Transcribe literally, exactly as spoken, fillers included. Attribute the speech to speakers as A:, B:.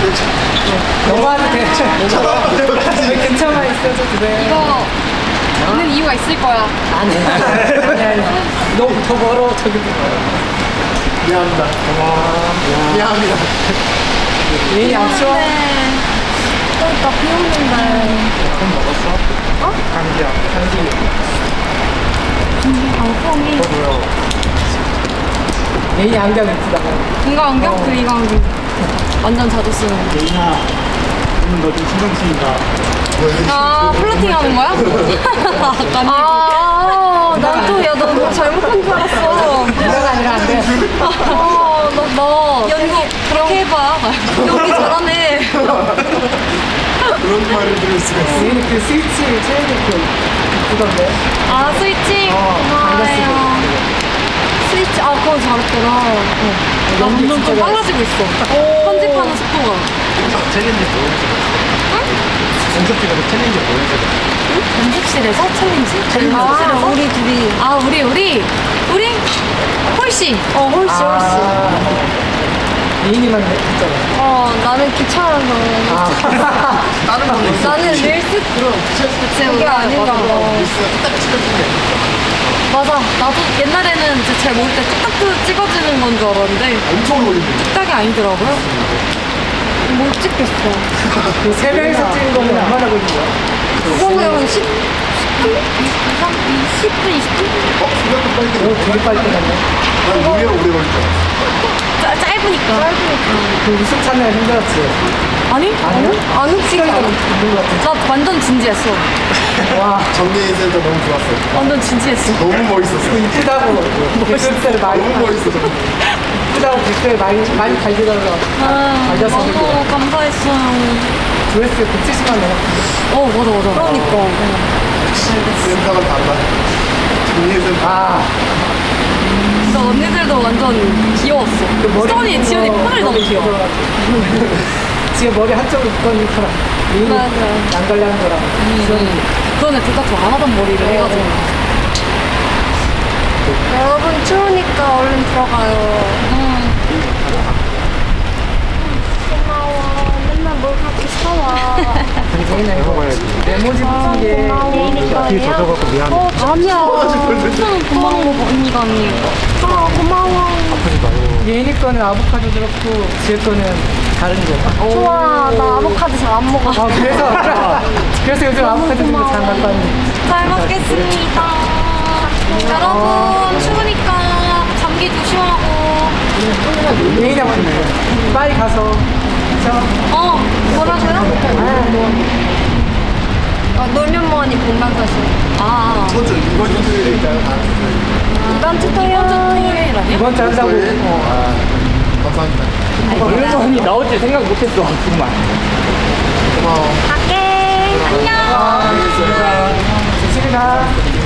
A: 너무하도 돼. 근처만 있어도 그래.
B: 이거 있는 이유가 있을 거야.
A: 아니, 아니, 아니. 너무 더 멀어, 저기.
C: 미안합니다. 미안합니다.
A: 얘이 안 추워?
B: 그러니까 비 오는데.
A: 좀 먹었어? 어? 감기야, 감기.
B: 방송이.
A: 뭐야? 얘이 안경 이쁘다.
B: 이거 안경? 그 이거 안경. 완전 자주 쓰는.
C: 예인아, 오늘 너 좀 신경 쓰인다.
B: 아, 플러팅 하는 거야? 아, 난 또, 야, 너 뭐 잘못한 줄 알았어.
A: 그건 아니라 안 돼.
B: 어, 너, 너. 연기 그렇게 해봐. 연기 잘하네.
C: 그런 말을 들을 수가 있어.
A: 얘는 그 스위치 체인지표 이쁘던데.
B: 아, 스위치?
A: 어,
B: 고마워요. 스위치, 아, 그거 잘했구나. 나
A: 연기
B: 점점 좀
A: 진짜
B: 빨라지고 있어. 편집하는 속도가.
C: 챌린지 보여줘. 연습실에서 챌린지 보여줘.
B: 연습실에서 챌린지?
A: 챌린지.
B: 아, 우리 둘이. 아, 우리, 우리? 우리? 홀씨. 어, 홀씨, 홀씨.
A: 아, 예인이만 했잖아.
B: 어, 나는 귀찮아서.
A: 아,
C: 다른 분도 있어.
B: 나는 릴스
C: 그럼
B: 그게 아닌가 봐.
C: 딱 찍어주네.
B: 맞아. 나도 옛날에는 이제 잘 모를 때 뚝딱 찍어지는 건 줄 알았는데
C: 엄청 올리는데.
B: 뚝딱이 아니더라고요. 못 찍겠어.
A: 그 세 명이서 찍은 거는 얼마나 걸린 거야?
B: 그거는 한 십, 십 분? 이십 분, 이십 분?
C: 어? 생각도 빨리
A: 오, 되게 빨리 끝났네.
C: 난 의외로 오래 걸릴 줄 알았어.
B: 짜, 짧으니까. 짧으니까.
A: 그 웃음 찾느라 힘들었지.
B: 아니?
A: 아니요?
B: 아니,
A: 시간이
B: 진짜.
A: 너무 있는 것 같아.
B: 나 완전 진지했어.
A: 와,
C: 정리해서 너무 좋았어요.
B: 완전 진지했어.
C: 너무 멋있었어.
A: 그 이쁘다고 댓글 많이
C: 너무 멋있었어.
A: 이쁘다고 댓글 많이 많이 달리더라고.
B: 아,
A: 알려서
B: 너무 감사했어요.
A: 조회수 백칠십만 원.
B: 어, 맞아, 맞아. 그러니까.
C: 센터가 달라. 정리해서
A: 아,
B: 진짜 언니들도 완전 귀여웠어.
A: 그 머리
B: 수원이,
A: 묶은
B: 지연이
A: 거
B: 폰을 너무
A: 머리
B: 귀여워.
A: 묶어가지고. 지금 머리 한쪽으로 묶으니까
B: 맞아.
A: 양갈래한 거랑 지원이
B: 그러네, 둘 다 좀 안 하던 머리를 해가지고. 여러분, 추우니까 얼른 들어가요. 응. 고마워. 맨날 뭘 그렇게 사와.
A: 굉장히 먹어야지. 메모지 붙은 게
C: 뒤에 젖어갖고 미안해.
B: 어, 아니야. 엄청 고마워, 언니가 언니. 아, 고마워.
C: 아프지 마요.
A: 예인이 거는 아보카도 들었고 지혜 거는 다른 거.
B: 좋아, 나 아보카도 잘 안 먹어.
A: 아 그래서 그래서 요즘 아보카도 들고 잘 갖고 왔는데.
B: 잘 먹겠습니다. 여러분, 추우니까 감기 조심하고.
A: 예인이 한번 빨리 가서 저
B: 어, 뭐라고요? 아, 놀면 뭐하니 공방사수. 아,
C: 먼저 이번 주 토요일에 있잖아.
B: 이번 주 토요일. 이번 주 토요일 아니야?
A: 이번 주 한다고.
C: 토요일?
A: 어.
C: 아, 감사합니다.
A: 얼마나 나올지 생각 못했어 정말.
C: 고마워.
B: 갈게. 안녕.
C: 알겠습니다.
A: 조심히 가.